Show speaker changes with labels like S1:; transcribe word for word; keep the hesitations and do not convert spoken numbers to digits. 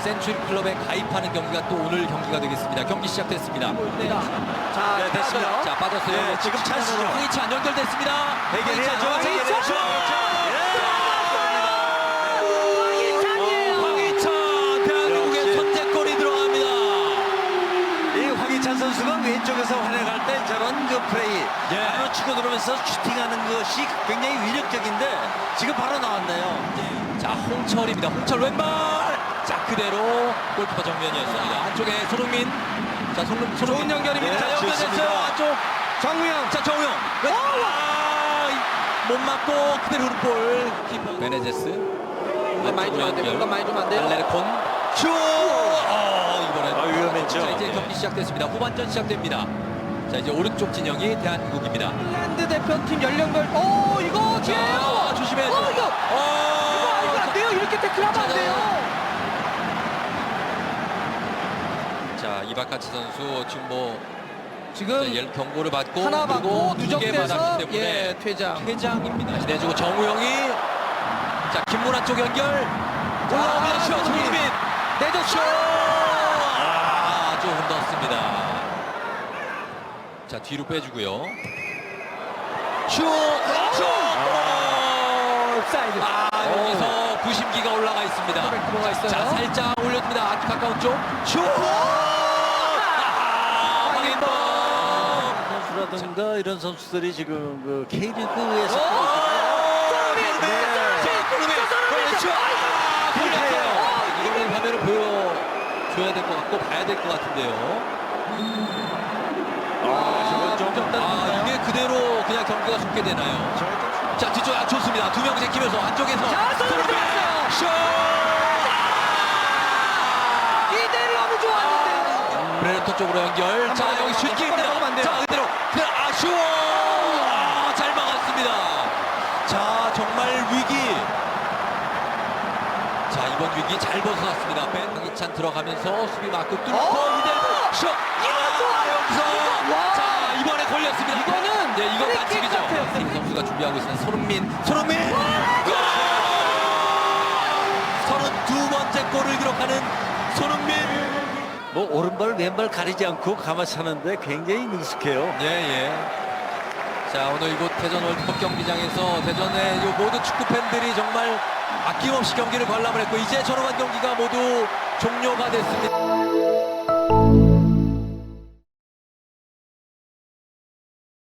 S1: 센츄리 클럽에 가입하는 경기가 또 오늘 경기가 되겠습니다. 경기 시작됐습니다.
S2: 자,
S1: 네, 됐습니다.
S2: 빠져요.
S1: 자, 빠졌어요.
S3: 네, 지금 찬스죠.
S1: 황희찬 연결됐습니다.
S3: 해결해야죠.
S1: 황희찬,
S3: 해결해야죠.
S1: 황희찬이에요. 황희찬 대한민국의
S3: 역시.
S1: 선제골이 들어갑니다.
S3: 이 황희찬 선수가 왼쪽에서 활약할 때 저런 그 플레이
S1: 예.
S3: 바로 치고 들어오면서 슈팅하는 것이 굉장히 위력적인데 지금 바로 나왔네요.
S1: 자, 홍철입니다. 홍철 왼발. 자, 그대로 골키퍼 정면이었습니다. 안쪽에 손흥민. 자, 손흥민. 좋은 연결입니다.
S3: 네,
S1: 자, 연결됐어요.
S3: 좋습니다.
S1: 안쪽.
S2: 정우영.
S1: 자, 정우영. 왼- 아, 이- 못 맞고 그대로 볼 키퍼 베네제스.
S2: 공간 많이 주면 안 돼요. 공간 많이 주면 안 돼요.
S1: 알레르콘. 슛! 어, 이번엔.
S3: 아, 위험했죠.
S1: 자, 이제
S3: 네.
S1: 경기 시작됐습니다. 후반전 시작됩니다. 자, 이제 오른쪽 진영이 대한민국입니다.
S2: 핀란드 대표팀 연령별. 오, 이거
S1: 자,
S2: 뒤에요.
S1: 조심해야죠.
S2: 어, 이거.
S1: 어,
S2: 이거 안 돼요. 이렇게 태클하면 안
S1: 자,
S2: 돼요.
S1: 자, 이바카치 선수 지금 뭐
S2: 지금
S1: 자, 열 경고를 받고
S2: 하나 받고
S1: 두개
S2: 누적돼서
S1: 받았기 때문에
S2: 예, 퇴장.
S1: 퇴장입니다. 내주고 정우영이 자, 김문환 쪽 연결 올라옵니다. 슛
S2: 손흥민.
S1: 손흥민
S2: 내줬죠.
S1: 아, 좀 흔들었습니다. 자, 뒤로 빼주고요. 슛! 슛!
S2: 옵사이드.
S1: 아, 여기서 부심기가 올라가 있습니다.
S2: 들어가 있어요.
S1: 자, 살짝 올려줍니다. 아주 가까운 쪽. 슛! 아, 황인범!
S3: 선수라든가 이런 선수들이 지금 그 K리그에서
S1: 손흥민! 손흥민! 슛! 아, 걸렸어요. 이거는 화면을 보여줘야 될 것 같고 봐야 될 것 같은데요.
S3: 아, 저건 좀
S1: 아, 이게 그대로 그냥 경기가 속게 되나요? 자, 뒤쪽 아, 좋습니다. 두 명 제끼면서 안쪽에서
S2: 자, 손흥민 들어갔어요.
S1: 슛!
S2: 이대로 너무 좋았는데요.
S1: 브레르토 쪽으로 연결. 자, 여기 슛킥입니다.
S2: 먹으면 안 돼요.
S1: 자, 그대로. 그대로. 아, 슛! 아, 잘 막았습니다. 자, 정말 위기. 자, 이번 위기 잘 벗어났습니다. 벤 황희찬 들어가면서 수비 마크 뚫고
S2: 어!
S1: 이대로 슛! 아,
S2: 좋아요.
S1: 여기서
S2: 와.
S1: 자, 이번에 걸렸습니다.
S2: 이거는
S1: 네, 이거
S2: 프리킥
S1: 반칙이죠.
S2: 같아요.
S1: 김 선수가 준비하고 있는 손흥민. 손흥민! 골! 서른두 번째 골을 기록하는 손흥민.
S3: 뭐 오른발 왼발 가리지 않고 가만 차는데 굉장히 능숙해요.
S1: 예, 예. 자, 오늘 이곳 대전 월드컵 경기장에서 대전의 이 모든 축구 팬들이 정말 아낌없이 경기를 관람을 했고 이제 전후반 경기가 모두 종료가 됐습니다.